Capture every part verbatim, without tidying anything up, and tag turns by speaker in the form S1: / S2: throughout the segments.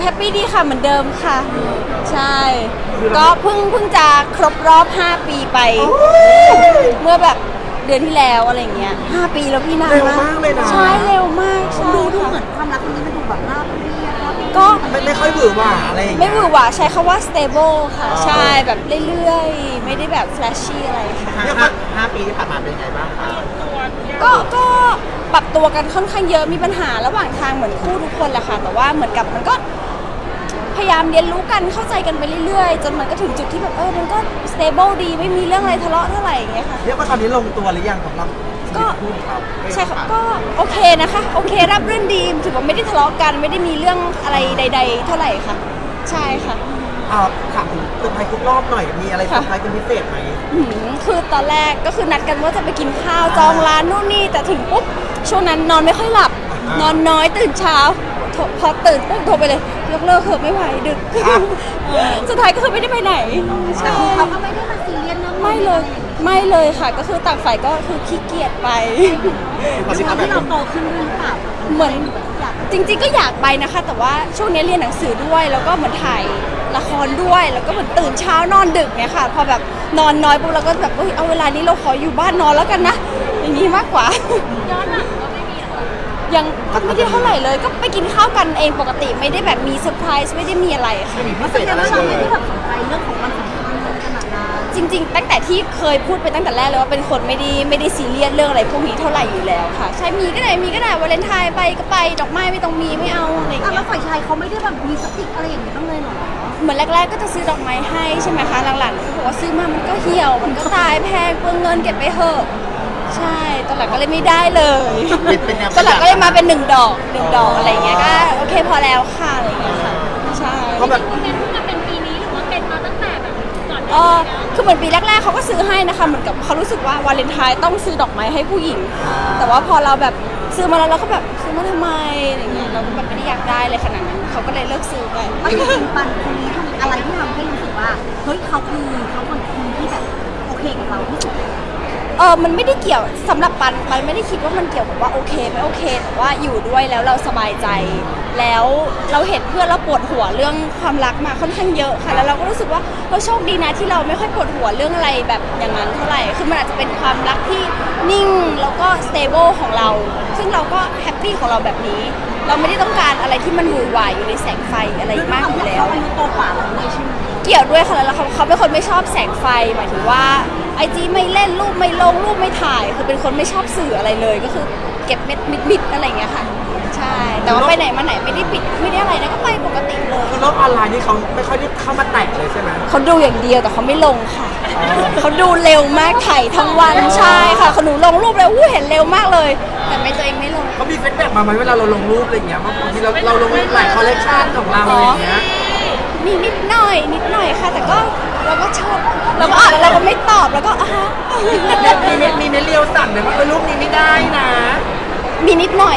S1: ปปี้ดีค่ะเหมือนเดิมค่ะ ใช่ก็เพิ่งเพิ่งจะครบรอบห้าปีไป เมื่อแบบเดือนที่แล้วอะไรเงี้ยห้าปีแล้วพี่นาน
S2: เร็วมากเลยนะ
S1: ใช่เร็วมากใช่
S3: ดูดู
S1: ค่ะ
S3: เหมือนความรักครั้งนี้มันดูแบบราบเรียบราบเรียบ
S1: ก็
S2: ไม่ไม่ค่อยหวือหวาอะไรอย่าง
S1: ไม่
S2: เงี้ย
S1: หวือหวาใช้คำว่า stable ค่ะ
S2: อ๋อ
S1: ใช่แบบเรื่อยๆ ไม่ได้แบบ flashy อะไรค่ะ
S2: เรียกว่าห้าปีที่ผ่านมาเป็นไงบ้างคะ
S1: ก็ก็ปรับตัวกันค่อนข้างเยอะมีปัญหาระหว่างทางเหมือนคู่ทุกคนแหละค่ะแต่ว่าเหมือนกับมันก็พยายามเรียนรู้กันเข้าใจกันไปเรื่อยๆ จนมันก็ถึงจุดที่แบบเออมันก็ stable ดีไม่มีเรื่องอะไรทะเลาะเท่าไหร่อย่างเงี้ยค่ะ
S2: เรียกว่าตอนนี้ลงตัวหรือยังสำหรับชี
S1: ก็
S2: วิตคู่ของเรา
S1: ใช่ค่ะก็โอเคนะคะโอเครับรื่นดีถือว่าไม่ได้ทะเลาะกันไม่ได้มีเรื่องอะไรใด ๆ เท่าไหร่ค่ะ ใช่ค่ะ
S2: อ่าถามถึงเซอร์ไพรส์ทุกรอบหน่อยมีอะไรเซอร์ไพรส์เป็นพิเศษไหม
S1: หืมคือตอนแรกก็คือนัดกันว่าจะไปกินข้าวจองร้านนู่นนี่แต่ถึงปุ๊บช่วงนั้นนอนไม่ค่อยหลับ นอนน้อยตื่นเช้าโทรพอตื่นปุ๊บโทรไปเลยยกเลิกเถอะไม่ไหวดึก สุดท้ายก็คือไม่ได้ไปไหนใช่
S3: เขาก็ไม่ได้มาซีเรียสเรื่อง
S1: ไม่เลยไม่เลยค่ะก็คือต่างฝ่ายก็คือขี้เกียจไป
S3: ด้วยความที่เราโตขึ้นด้วยหรือเปล่า
S1: เหมือน
S3: อยาก
S1: จริงๆก็อยากไปนะคะ แต่ว่าช่วงนี้เรียนหนังสือด้วย แล้วก็เหมือนถ่ายละครด้วย แล้วก็เหมือนตื่นเช้านอนดึกเนี่ยค่ะ พอแบบนอนน้อยปุ๊บเราก็แบบเอ้ยเอาเวลานี้เราขออยู่บ้านนอนแล้วกันนะ อย่างนี้มากกว่า
S3: ย้อนหลังก็ไม่มีหรอ
S1: ยังไม่ได้เท่าไหร่เลย ก็ไปกินข้าวกันเองปกติไม่ได้แบบมีเซอร์ไพรส์ไม่ได้มีอะไรค่ะ
S2: ไม่มีพิเศ
S3: แส
S2: ษ
S3: ด
S2: อะ
S3: ง
S2: ไร
S3: ว่าเรา
S2: เล
S3: ไม่
S2: ย
S3: ได้แบบสนใจเรื่องของความสัมพันธ์ขนาดนั้น
S1: จริงๆ ตั้งแต่ที่เคยพูดไปตั้งแต่แรกเลยว่าเป็นคนไม่ได้ไม่ได้ซีเรียสเรื่องอะไรพวกนี้เท่าไหร่อยู่แล้วค่ะ ใช่มีก็ได้มีก็ได้วาเลนไทน์ไปก็ไปดอกไม้ไม่ต้องมีไม่เอาอะไรอย่าง
S3: อ่ะ
S1: เงี้
S3: แล้
S1: ย
S3: วฝ่ายชายเขาไม่ได้แบบมีสติกอะไรอย่างนี้บ้างเลยเหรอ
S1: เหมือนแรกๆก็จะซื้อดอกไม้ให้ใช่ไหมคะหลังๆเขาบอกว่าซื้อมามันก็เหี่ยวมันก็ตายแพงเปลืองเงินเก็บไปเถอะใช่ตอนหลังก็เลยไม่ได้เลย
S2: เป็นแนว
S1: ตอนหลังก็เลยมาเป็นหนึ่งดอกหนึ่งดอกอะไรอย่างเงี้ยก็โอเคพอแล้วค่ะอะไรอย่างเงี้ยค่ะใช่
S2: เขาแบบ
S3: เป็นเพิ่งมาเป็นปีนี้หรือว่าเป็นมาตั้งแต่แบบก่อน
S1: เออคือเหมือนปีแรกๆเขาก็ซื้อให้นะคะเหมือนกับเขารู้สึกว่าวาเลนไทน์ต้องซื้อดอกไม้ให้ผู้หญิง แต่ว่าพอเราแบบซื้อมาแล้วเราก็แบบซื้อมาทำไมอะไรอย่างเงี้ยเราก็แบบไม่ได้อยากได้เลยขนาดนั้นเขาก็เลยเลิกซื้อไป
S3: ไม่จริงๆปันคนนี้ทำอะไรที่ทำให้รู้สึกว่าเฮ้ยเขาคือเขาเป็นคนที่แบบโอเคกับเราที่สุด
S1: เออมันไม่ได้เกี่ยวสำหรับปันปันไม่ได้คิดว่ามันเกี่ยวกับว่าโอเคไม่โอเคแต่ว่าอยู่ด้วยแล้วเราสบายใจ แล้วเราเห็นเพื่อนเราปวดหัวเรื่องความรักมาค่อนข้างเยอะค่ะแล้วเราก็รู้สึกว่าเราโชคดีนะที่เราไม่ค่อยปวดหัวเรื่องอะไรแบบอย่างนั้นเท่าไหร่คือมันอาจจะเป็นความรักที่นิ่งแล้วก็ stable ของเรา ซึ่งเราก็แฮปปี้ของเราแบบนี้ เราไม่ได้ต้องการอะไรที่มันหวือหวาอยู่ในแสงไฟอะไรมากอยู่แล้ว
S3: เขาอายุโตกว่าเราด้วยใช่ไหม
S1: เกี่ยวด้วยค่ะแล้วเขาเขาเป็นคนไม่ชอบแสงไฟหมายถึงว่าไอจีไม่เล่นรูปไม่ลงรูปไม่ถ่าย คือเป็นคนไม่ชอบสื่ออะไรเลย ก็คือเก็บเม็ดมิดๆอะไรอย่างเงี้ยค่ะ ใช่ แต่ว่าไปไหนมาไหนไม่ได้ปิดไม่ได้อะไรนะก็ไปปกติเลย
S2: คือโลกออนไลน์นี่เขาไม่ค่อยได้เข้ามาแตะเลยใช่ไหม
S1: เขาดูอย่างเดียวแต่เขาไม่ลงค่ะเขาดูเร็วมากถ่ายทั้งวันใช่ค่ะเขาหนูลงรูปแล้วอู้เห็นเร็วมากเลย แต่ไม่ตัวเองไม่ลง
S2: เขามีฟีดแบ็กมาไหมเวลาเราลงรูปอะไรอย่างเงี้ยบางทีเราเราลงหลายคอลเลคชันของเราอะไรอย่างเงี้ย
S1: มีนิดหน่อยนิดหน่อยค่ะ แต่ก็เราก็ชอบเราก็อ่านแล้วเราก็ไม่ตอบแล้วก็อ่ะฮะ
S2: มีเน็ตมีเน็ตเรียวสั่งเลยว่าเออรูปนี้ไม่ได้นะ
S1: มีนิดหน่อย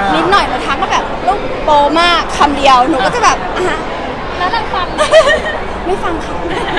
S1: นิดหน่อยมาทักก็แบบลูกโปมากคำเดียวหนูก็จะแบบอ่ะฮะ
S3: แล้วเราฟัง
S1: ไม่ฟังค่ะ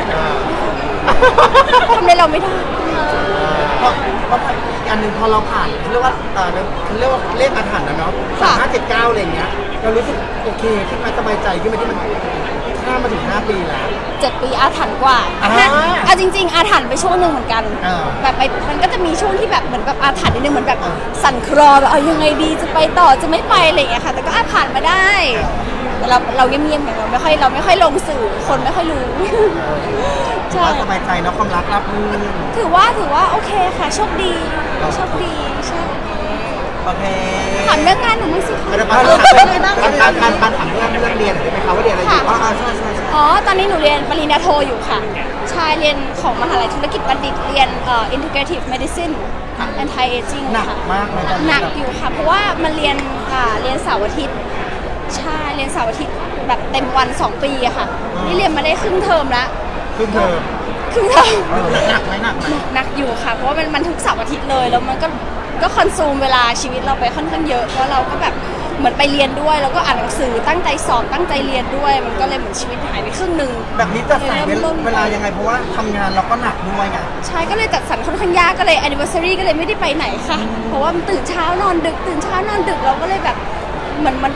S1: ทำในเราไม่ได้
S2: เพราะเพราะอีกอันหนึ่งพอเราผ่านเขาเรียกว่าเออเขาเรียกว่าเลขอาถรรพ์นะเนาะสามห้าเจ็ดเก้าอะไรอย่างเงี้ยเรารู้สึกโอเคขึ้นมาสบายใจขึ้นมาที่มันข้ามมาถึงห้าปีแล้ว
S1: เจ็ดปีอาถรรพ์กว่า
S2: อ่า
S1: ห้าเอาจริง ๆ อาถรรพ์ไปช่วงหนึ่งเหมือนกัน
S2: อ่า
S1: แบบไปมันก็จะมีช่วงที่แบบเหมือนแบบอาถรรพ์นิดนึงเหมือนแบบ
S2: อ่า
S1: สั่นคลอแบบเอายังไงดีจะไปต่อจะไม่ไปอะไรอย่างเงี้ยค่ะ แต่ก็อาผ่านมาได้แต่เราเราเงียบๆอย่างเราไม่ค่อยเราไม่ค่อยลงสื่อคนไม่ค่อยรู้ ใช่
S2: ว่าสบายใจเนาะความรักรับมือ
S1: ถือว่าถือว่าโอเคค่ะโชคดีโชคดีใช่
S2: โอเค
S1: ถามเรื่องงานหนูมั้างสิคะ
S2: ปันปันปันปันปันถามเรื่องเรื่องเรียนหน่อยได้ไหมคะว่าเรียนอะไรอยู่อ๋อใช่ใช่ใช่
S1: อ๋อ ตอนนี้หนูเรียนปริญญาโทอยู่ค่ะ ใช่เรียนของมหาลัยธุรกิจบัณฑิต เรียนเอ่อ integrative medicine anti aging
S2: หนัก
S1: ค่ะ
S2: มากเลยตอนนี้
S1: หนักอยู่ค่ะ เพราะว่ามันเรียนอ่าเรียนเสาร์อาทิตย์ ใช่ เรียนเสาร์อาทิตย์แบบเต็มวันสองปีอะค่ะ นี่เรียนมาได้ครึ่งเทอมละ
S2: ครึ่งเทอม
S1: ครึ่งเทอม
S2: เออหนักไหมหนักไหม
S1: หนักอยู่ค่ะ เพราะว่ามันมันทุกเสาร์อาทิตย์เลย แล้วมันก็ก็คอนซูมเวลาชีวิตเราไปค่อนข้างเยอะ เพราะเราก็แบบเหมือนไปเรียนด้วย แล้วก็อ่านหนังสือตั้งใจสอบตั้งใจเรียนด้วย มันก็เลยเหมือนชีวิตหายไปครึ่งหนึ่ง
S2: แบบนี้จะใส่เวลายังไงเพราะว่าทำงานเราก็หนักด้วยไง
S1: ใช่ก็เลยจัดสรรค่อนข้างยากก็เลย anniversary ก็เลยไม่ได้ไปไหนค่ะ เพราะว่ามันตื่นเช้านอนดึกตื่นเช้านอนดึกเราก็เลยแบบเหมือนมันกับ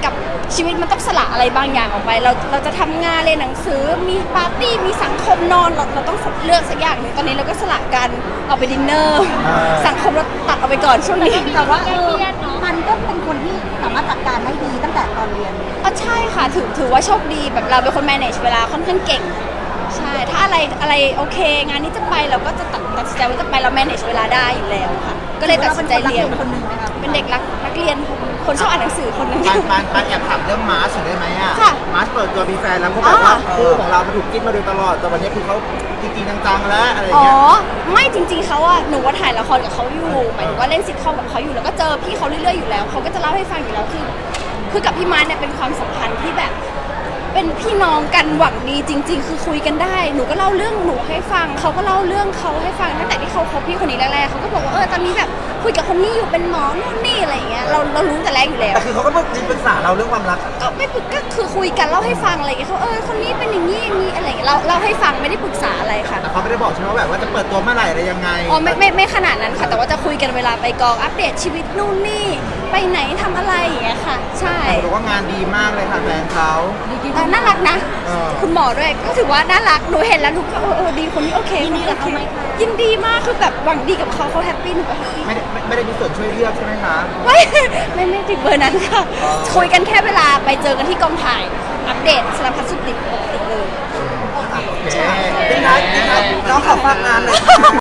S1: ชีวิตมันต้องสละอะไรบางอย่างออกไป เราเราจะทำงานเรียนหนังสือมีปาร์ตี้มีสังคมนอนเราเราต้องเลือกสักอย่างหนึ่งตอนนี้เราก็สละกันเอาไปดินเนอร์ สังคมเราตัดเอาไปก่อนช่วงนี้
S3: แต่ว่าเออมันก็เป็นคนที่สามารถจัดการได้ดีตั้งแต่ตอนเรียน
S1: อ๋อใช่ค่ะถือถือว่าโชคดีแบบเราเป็นคน manage เวลาค่อนข้างเก่งใช่ถ้าอะไรอะไรโอเค งานนี้จะไปเราก็จะตัดตัดสินใจว่าจะไปเรา manage เวลาได้อยู่แล้วค่ะ ก็เลยตัดสินใจเรียน
S3: คนหนึ่งไหมคะ
S1: เป็นเด็กรักนักเรียนคนชอบอ่านหนังสือคนหนึง
S2: ปานปานปานแอบถามเรื่องมาร์ชหน่อยได้ไหมอ่ะ
S1: ค่ะ
S2: มาร์ชเปิดตัวมีแฟนแล้วเขาแบบว่า
S1: อ๋อ
S2: คู่ของเรามาถูกจิ้นมาโดยตลอดแต่วันนี้คือเขาจริงๆจังๆแล้วอะไร
S1: อ๋อ
S2: เงี้ย
S1: ไม่จริงๆเขาอะหนูว่าถ่ายละครกับเขาอยู่หมายถึงว่าเล่นซิทคอมกับเขาอยู่แล้วก็เจอพี่เขาเรื่อยๆอยู่แล้วเขาก็จะเล่าให้ฟังอยู่แล้วคือคือกับพี่มาร์คเนี่ยเป็นความสัมพันธ์ที่แบบ เป็นพี่น้องกันหวังดีจริง ๆ คือคุยกันได้หนูก็เล่าเรื่องหนูให้ฟังเขาก็เล่าเรื่องเขาให้ฟังตั้งแต่ที่เขาคบพี่คนนี้แรกๆเขาก็บอกว่าเออตอนนี้แบบคุยกับคนนี้อยู่เป็นหมอนู่นนี่อะไรอย่างเงี้ยเราเรารู้แต่แรกอยู่แล้ว
S2: แต่คือเขาก็มาปรึกษาเราเรื่องความรัก
S1: ก็ไม่ปรึกก็คือคุยกันเล่าให้ฟังอะไรอย่างเงี้ยเขาเออคนนี้เป็นอย่างนี้อย่างนี้อะไรอย่างเงี้ยเราเล่าให้ฟังไม่ได้ปรึกษาอะไรค่ะ
S2: แต่เขาไม่ได้บอกใช่ไหมว่าแบบว่าจะเปิดตัวเมื่อไหร่อะไรยังไง
S1: อ๋อไม่ไม่ไม่ขนาดนั้นค่ะ แต่ว่าจะคุยกันเวลาไปกองอัปเดตชีวิตนู่นนี่ไปไหนทำอะไรอย่างเงี้ยค่ะ ใช่
S2: แต่บอกว่างานดีมากเลยค่ะแฟนเขา
S1: แต่น่ารักนะ
S2: เออ
S1: คุณหมอด้วยก็ถือว่าน่ารักหนูเห็นแล้วหนูก็เออเออดีคนนี้โอเค
S3: ยินดีกับเขาไหมคะ
S1: ยินดีมากคือแบบหวังดีกับเขาเขาแฮปปี้หนูก็แฮปปี้
S2: ไม่ได้ไม่ไม่ได้มีส่วนช่วยเลือกใช่ไหมคะ
S1: ไม่ไม่ไม่ถึงเบอร์นั้นค่ะ คุยกันแค่เวลาไปเจอกันที่กองถ่ายอัปเดตสารพัดสุดดิบปกติเลย
S2: โอเคเป็นไงเป็นไงน้องขอฝากงานเลย